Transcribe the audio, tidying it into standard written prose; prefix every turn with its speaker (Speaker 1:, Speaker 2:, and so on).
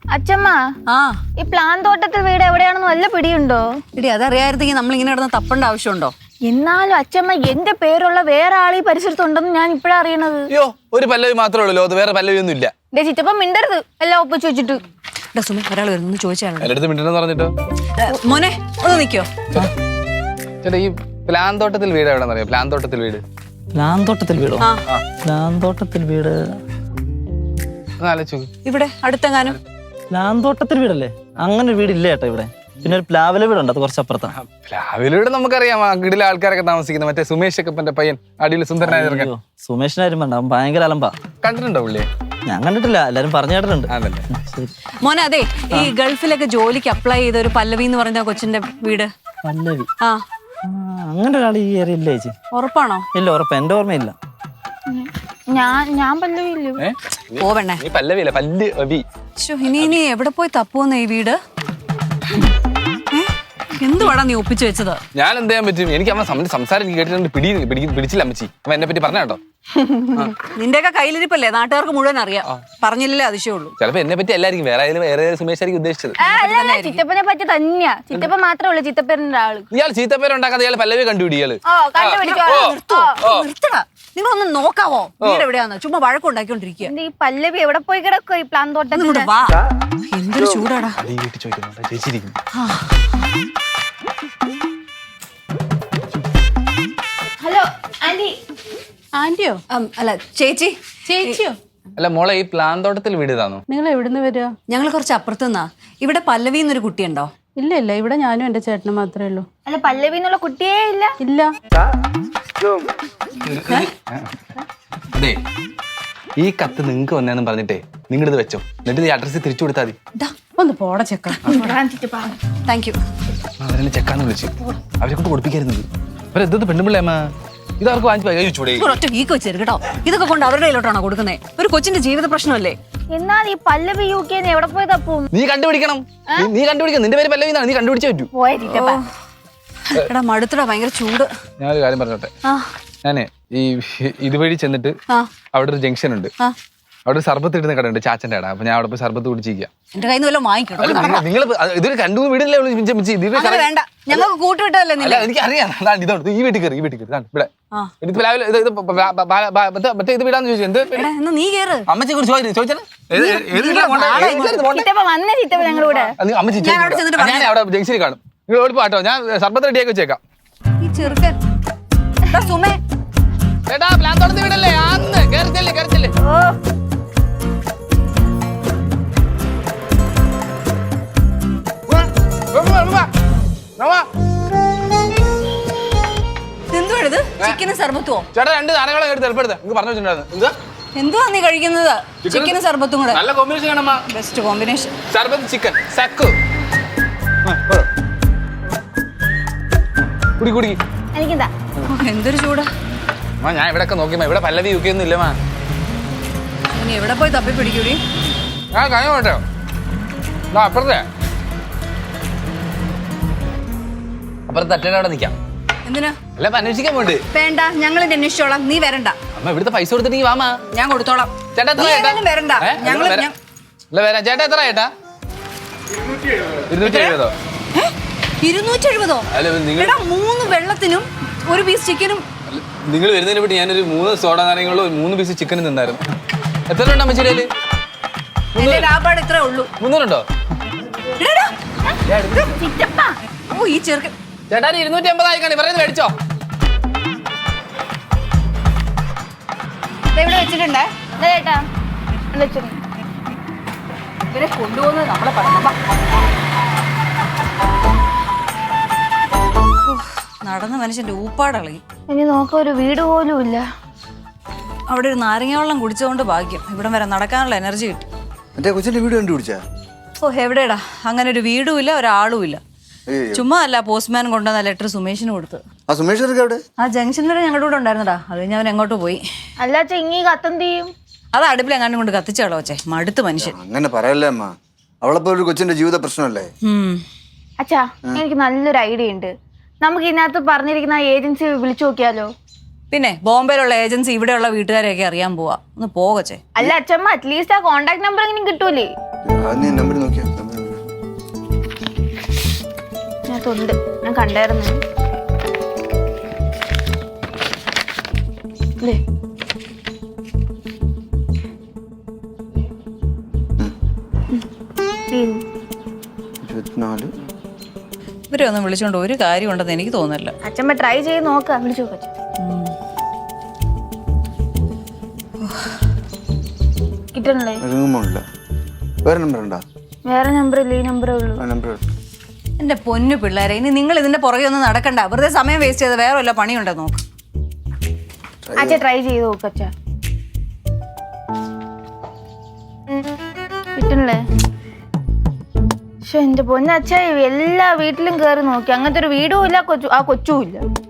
Speaker 1: അച്ഛമ്മ ഈ പ്ലാൻ തോട്ടത്തിൽ വീട് എവിടെയാണെന്ന് വല്ല പിടിയുണ്ടോ?
Speaker 2: ഇടി അതറിയായിരുന്നെങ്കിൽ നമ്മൾ ഇങ്ങനെ കിടന്ന് തപ്പേണ്ട ആവശ്യമുണ്ടോ?
Speaker 1: എന്നാലും അച്ഛമ്മ എന്റെ പേരുള്ള വേറെ ആൾ ഈ പരിസരത്തുണ്ടെന്ന് ഞാൻ ഇപ്പഴാ അറിയണത്.
Speaker 3: അയ്യോ, ഒരു പല്ലവി മാത്രമേ ഉള്ളൂ, അത് വേറെ പല്ലവി ഒന്നും ഇല്ല.
Speaker 1: ചിറ്റപ്പ മിണ്ടരുത്, എല്ലാം ഒപ്പിച്ച് വെച്ചിട്ട്.
Speaker 2: സുമി ഒരാൾ വരുന്നു ചോദിച്ചാണ്.
Speaker 3: എന്റെ അടുത്ത് മിണ്ടെന്ന് പറഞ്ഞിട്ടോ.
Speaker 2: മോനെ ഒന്ന് നിക്കോ.
Speaker 3: ചേട്ടാ, ഈ പ്ലാൻ തോട്ടത്തിൽ വീട് എവിടെന്ന് അറിയാം? പ്ലാൻ തോട്ടത്തിൽ വീട്
Speaker 4: വീടോ? പ്ലാൻ തോട്ടത്തിൽ വീട്
Speaker 2: ഇവിടെ അടുത്തെങ്ങാനും.
Speaker 4: പ്ലാൻ തോട്ടത്തിൽ വീടല്ലേ? അങ്ങനെ വീടില്ല ചേട്ടാ ഇവിടെ. പിന്നെ ഒരു പ്ലാവില വീടുണ്ട്, അത് കുറച്ച് അപ്പുറത്താണ്.
Speaker 3: പ്ലാവില വീട് നമുക്കറിയാം, വീട്ടിലെ ആൾക്കാരൊക്കെ താമസിക്കുന്ന മറ്റേ സുമേഷ് കപ്പന്റെ പയ്യൻ, അടിയിൽ സുന്ദരനായ.
Speaker 4: സുമേഷിനാരും വേണ്ട, അവൻ ഭയങ്കര അലമ്പാ.
Speaker 3: കണ്ടിട്ടുണ്ടോ പുള്ളിയെ?
Speaker 4: ഞാൻ കണ്ടിട്ടില്ല, എല്ലാരും പറഞ്ഞു കേട്ടിട്ടുണ്ട്.
Speaker 2: മോനെ അതെ, ഈ ഗൾഫിലൊക്കെ ജോലിക്ക് അപ്ലൈ ചെയ്ത ഒരു പല്ലവി എന്ന് പറയുന്ന കൊച്ചിന്റെ വീട്.
Speaker 4: പല്ലവി?
Speaker 2: ആ
Speaker 4: അങ്ങനെ ഒരാൾ ഈ ഏരിയ ഇല്ല ചേച്ചി.
Speaker 2: ഉറപ്പാണോ?
Speaker 4: ഇല്ല, ഉറപ്പ്, എന്റെ ഓർമ്മയില്ല.
Speaker 1: ഞാൻ പല്ലവിയില്ലേ?
Speaker 2: പോവണ്ണേ,
Speaker 3: പല്ലവിയല്ല, പല്ലവി.
Speaker 2: ഇനി എവിടെ പോയി തപ്പുവന്ന ഈ വീട്? എന്തുവാടാ നീ ഒപ്പിച്ചു വെച്ചത്?
Speaker 3: ഞാൻ എന്ത് ചെയ്യാൻ പറ്റും? എനിക്ക് അവൻ സംസാരം കേട്ടിട്ടുണ്ട്, പിടിച്ചില്ല അമ്മച്ചി. അവൻ എന്നെ പറ്റി പറഞ്ഞ കേട്ടോ.
Speaker 2: നിന്റെയൊക്കെ കയ്യിലിരിപ്പല്ലേ, നാട്ടുകാർക്ക് മുഴുവൻ അറിയാം. പറഞ്ഞില്ലേ അതിശയുള്ളൂ.
Speaker 3: ചിലപ്പോ എന്നെ പറ്റി എല്ലായിരിക്കും, വേറെ സുമേഷ് ആയിരിക്കും ഉദ്ദേശിച്ചത്.
Speaker 1: ചിറ്റപ്പനെ പറ്റി തന്നെയാ. ചിറ്റപ്പ മാത്രമേ ഉള്ളൂ ചിത്തപ്പേരിന്റെ ആള്.
Speaker 3: ഇയാൾ ചീത്തപ്പേരുണ്ടാക്കാതെ ഇയാൾ പല്ലവി കണ്ടുപിടി. ഇയാള്
Speaker 2: നിർത്തടാ, നിങ്ങളൊന്ന് നോക്കാവോ വീട് എവിടെയാന്ന്? ചുമ്മാ വഴക്കുണ്ടാക്കിക്കൊണ്ടിരിക്കുക.
Speaker 1: ഈ പല്ലവി എവിടെ പോയി കിടക്കോ ഈ പ്ലാൻ തോട്ടത്തിൽ?
Speaker 2: വാ, എന്തൊരു ചൂടാടാ.
Speaker 3: ചേച്ചിരിക്കും.
Speaker 1: Hello aunty.
Speaker 2: ആന്റിയോ? അല്ല ചേച്ചി.
Speaker 1: ചേച്ചിയോ?
Speaker 3: അല്ല മോളെ, ഈ പ്ലാൻ തോട്ടത്തിൽ വീട് ഇതാണോ?
Speaker 5: നിങ്ങൾ എവിടുന്ന് വരിക?
Speaker 2: ഞങ്ങൾ കുറച്ച് അപ്പുറത്തുനിന്നാ. ഇവിടെ പല്ലവി എന്നൊരു കുട്ടിയുണ്ടോ?
Speaker 5: ഇല്ല ഇല്ല, ഇവിടെ ഞാനും എന്റെ ചേട്ടനും മാത്രമേ ഉള്ളൂ.
Speaker 1: അല്ല പല്ലവി എന്നുള്ള കുട്ടിയേ ഇല്ല?
Speaker 5: ഇല്ല.
Speaker 3: അതെ, ഈ കത്ത് നിങ്ങക്ക് വന്നേന്ന് പറഞ്ഞിട്ടേ നിങ്ങളിത് വെച്ചോ, എന്നിട്ട് ഈ അഡ്രസ് തിരിച്ചു കൊടുത്താൽ മതി.
Speaker 5: ഒന്ന് പോട ചെക്ക.
Speaker 2: Thank you.
Speaker 3: അവരെന്നെ ചെക്കാന്ന് വിളിച്ചു, അവരെ കൊണ്ട് കൊടുപ്പിക്കായിരുന്നത്. അവരെന്തത് പെണ്ണുപിള്ളേ അമ്മ, ഇതവർക്ക് വാങ്ങിച്ചൂടെ?
Speaker 2: ഒറ്റ വീക്ക് വെച്ചേരും കേട്ടോ. ഇതൊക്കെ കൊണ്ട് അവരുടെ കയ്യിലോട്ടാണോ കൊടുക്കുന്നത്? ഒരു കൊച്ചിന്റെ ജീവിത പ്രശ്നമല്ലേ?
Speaker 1: എന്നാൽ ഈ പല്ലവി UK എവിടെ പോയി തപ്പും?
Speaker 3: നീ കണ്ടുപിടിക്കണം. നീ കണ്ടുപിടിക്കണം. നിന്റെ പേര് പല്ലവി എന്നാണ്, നീ കണ്ടുപിടിച്ചേ പറ്റൂ.
Speaker 2: എടാ മടുത്തടാ, ഭയങ്കര ചൂട്.
Speaker 3: ഞാനൊരു കാര്യം പറഞ്ഞോട്ടെ. ഞാനേ ഈ ഇതുവഴി ചെന്നിട്ട് അവിടെ ഒരു ജംഗ്ഷൻ ഉണ്ട്, അവിടെ സർബത്ത് ഇടുന്ന കടയുണ്ട്, ചാച്ചന്റെ കട. അപ്പൊ ഞാൻ അവിടെ പോയി സർബത്ത് കുടിച്ചിരിക്കാം.
Speaker 2: എന്റെ കയ്യിൽ നിന്ന് വല്ലതും വാങ്ങിക്കണം.
Speaker 3: നിങ്ങൾ ഇതൊരു രണ്ടു വീടില്ലേ
Speaker 2: വേണ്ട, ഞങ്ങൾക്ക് കൂട്ടുവിട്ടല്ലേ?
Speaker 3: എനിക്ക് അറിയാം. ഇതാണ് ഈ വീട്ടിൽ കയറി, ഈ വീട്ടിൽ കയറി ഇവിടെ മറ്റേ ഇത് വീടാന്ന് ചോദിച്ചു. എന്ത്
Speaker 2: നീ കേറ്.
Speaker 3: അമ്മച്ചെ കുറിച്ച് ചോദിച്ചാൽ അമ്മച്ചി ഞാൻ അവിടെ ജംഗ്ഷനിൽ കാണും. നിങ്ങൾ ഓടിപ്പോട്ടോ, ഞാൻ സർബത്ത് റെഡിയാക്കി വെച്ചേക്കാം.
Speaker 2: ഈ ചെറുക്കൻ സുമേ
Speaker 3: ചേട്ടാ, പ്ലാൻ തോട്ടത്തിൽ വീടല്ലേ? ആന്ന് കയറിച്ചല്ലേ, കയറിച്ചല്ലേ.
Speaker 2: എന്തുവാണിത്? ചിക്കനും സർബത്തുവോ?
Speaker 3: ചേട്ടാ, രണ്ട് സാധനങ്ങളെ എടുത്ത് എളുപ്പെടുത്ത നിങ്ങൾക്ക് പറഞ്ഞു വെച്ചിട്ടുണ്ടായിരുന്നു.
Speaker 2: എന്തുവാ നീ കഴിക്കുന്നത്? ചിക്കനും സർബത്തും കൂടെ
Speaker 3: നല്ല കോമ്പിനേഷൻ കാണാം.
Speaker 2: Best combination.
Speaker 3: സർബത്ത് ചിക്കൻ സക്കു. കുടി കുടി.
Speaker 1: എനിക്കെന്താ?
Speaker 2: എന്തൊരു ചൂടാ.
Speaker 3: ഞാൻ ഇവിടെ ഒക്കെ നോക്കിയമ്മ, ഇവിടെ പല്ലവി UK ഒന്നും ഇല്ലമാ.
Speaker 2: ഇനി എവിടെ പോയി തപ്പി പിടിക്കൂടി?
Speaker 3: ഞാൻ കഴിഞ്ഞ പോട്ടെ അപ്പുറത്തെ തട്ടേടെ അവിടെ നിൽക്കാം.
Speaker 2: എന്തിനാ?
Speaker 3: അല്ല, അന്വേഷിക്കാൻ പോണ്ട്.
Speaker 2: വേണ്ട, ഞങ്ങൾ അന്വേഷിച്ചോളാം, നീ വരണ്ട.
Speaker 3: അമ്മ ഇവിടുത്തെ പൈസ കൊടുത്തിട്ട് വാമാ,
Speaker 2: ഞാൻ കൊടുത്തോളാം.
Speaker 3: ചേട്ടാ എത്ര
Speaker 2: വരണ്ട.
Speaker 3: വരാം. ചേട്ടാ എത്ര ചേട്ടാ? 270.
Speaker 2: 270?
Speaker 3: അല്ല, നിങ്ങൾ
Speaker 2: 3 വെള്ളത്തിനും 1 പീസ് ചിക്കനും.
Speaker 3: നിങ്ങൾ വരുന്നതിനെ പറ്റി ഞാനൊരു 3 സോഡ നാരങ്ങളും 3 പീസ് ചിക്കനും തിന്നായിരുന്നു. എത്ര ഉണ്ട് അമ്മച്ചിയുടെ?
Speaker 2: ലാഭാട് ഇത്രേ ഉള്ളൂ.
Speaker 3: 300 ഉണ്ടോ?
Speaker 2: ഓ ഈ ചെറുക്കൻ.
Speaker 3: ചേട്ടാ 280 ആയിക്കാണ് പറയുന്നത്, മേടിച്ചോ.
Speaker 2: ഇവിടെ വെച്ചിട്ടുണ്ടേ
Speaker 1: ചേട്ടാ
Speaker 2: ഇവരെ കൊണ്ടുപോകുന്നത് നമ്മളെ പറഞ്ഞു. നടന്ന മനുഷ്യന്റെ ഊപ്പാടളകി.
Speaker 1: ഇനി നോക്ക ഒരു വീട് പോലും ഇല്ല.
Speaker 2: അവിടെ ഒരു നാരങ്ങ വെള്ളം കുടിച്ചതുകൊണ്ട് ഭാഗ്യം ഇവിടം വരെ നടക്കാനുള്ള എനർജി കിട്ടി.
Speaker 6: മറ്റേ കൊച്ചിന്റെ വീട് കണ്ടുപിടിച്ചാ?
Speaker 2: ഓ എവിടെടാ, അങ്ങനെ ഒരു വീടും ഇല്ല, ഒരാളും ഇല്ല. ചുമ്മാ അല്ല പോസ്റ്റ്മാൻ കൊണ്ടുവന്ന ലെറ്റർ സുമേഷിന് കൊടുത്ത്.
Speaker 6: ആ സുമേഷ് എവിടെ?
Speaker 2: ആ ജംഗ്ഷൻ വരെ ഞങ്ങളുടെ കൂടെ ഉണ്ടായിരുന്നടാ. അത് കഴിഞ്ഞ് അവൻ എങ്ങോട്ട് പോയി.
Speaker 1: അല്ല ഇങ്ങീ കത്തെന്ത് ചെയ്യും?
Speaker 2: അത് അടുപ്പിൽ എങ്ങാണ്ടും കൊണ്ട് കത്തിച്ചാളോ വെച്ചേ, മടുത്ത് മനുഷ്യൻ.
Speaker 6: അങ്ങനെ പറയല്ലേ അമ്മ, അവളെപ്പോ ഒരു കൊച്ചിന്റെ ജീവിത പ്രശ്നമല്ലേ.
Speaker 1: അച്ഛാ, എനിക്ക് നല്ലൊരു ഐഡിയ ഉണ്ട്. നമുക്ക് ഇതിനകത്ത് പറഞ്ഞിരിക്കുന്ന ഏജൻസി വിളിച്ചു നോക്കിയാലോ?
Speaker 2: പിന്നെ ബോംബെയിലുള്ള ഏജൻസി ഇവിടെയുള്ള വീട്ടുകാരെയൊക്കെ അറിയാൻ പോവാ. ഒന്ന് പോകച്ചേ.
Speaker 1: അല്ല അച്ഛമ്മ, അറ്റ്ലീസ്റ്റ് ആ കോണ്ടാക്ട് നമ്പർ എങ്കിലും കിട്ടൂലേ?
Speaker 6: അത് നീ നമ്പർ നോക്കിയാ
Speaker 1: ഇതിനകത്തുണ്ട്, ഞാൻ കണ്ടായിരുന്നു. ദേ. ഉം.
Speaker 6: 24.
Speaker 2: ഇവരെ ഒന്നും വിളിച്ചോണ്ട് ഒരു കാര്യം ഉണ്ടെന്ന് എനിക്ക് തോന്നുന്നില്ല.
Speaker 1: അച്ഛമ്മ ട്രൈ ചെയ്ത് നോക്കാം, വിളിച്ചു നോക്കാം. കിട്ടണല്ലേ?
Speaker 6: ഇറങ്ങുമ്പോല്ല. വേറെ നമ്പർ ഉണ്ടോ?
Speaker 1: വേറെ നമ്പർ ഇല്ല, ഈ നമ്പറേ ഉള്ളൂ.
Speaker 6: ആ നമ്പർ
Speaker 2: എന്റെ പൊന്നു പിള്ളേരെ, ഇനി നിങ്ങൾ ഇതിന്റെ പുറകെ ഒന്നും നടക്കണ്ട. വെറുതെ സമയം വേസ്റ്റ് ചെയ്ത് വേറെ വല്ല പണിയുണ്ടോ നോക്ക്.
Speaker 1: അച്ഛ ട്രൈ ചെയ്ത് നോക്ക് അച്ഛ. കിട്ടണല്ലേ? പക്ഷെ എന്റെ പൊന്നച്ഛ എല്ലാ വീട്ടിലും കയറി നോക്കി, അങ്ങനത്തെ ഒരു വീടും ഇല്ല, ആ കൊച്ചും ഇല്ല.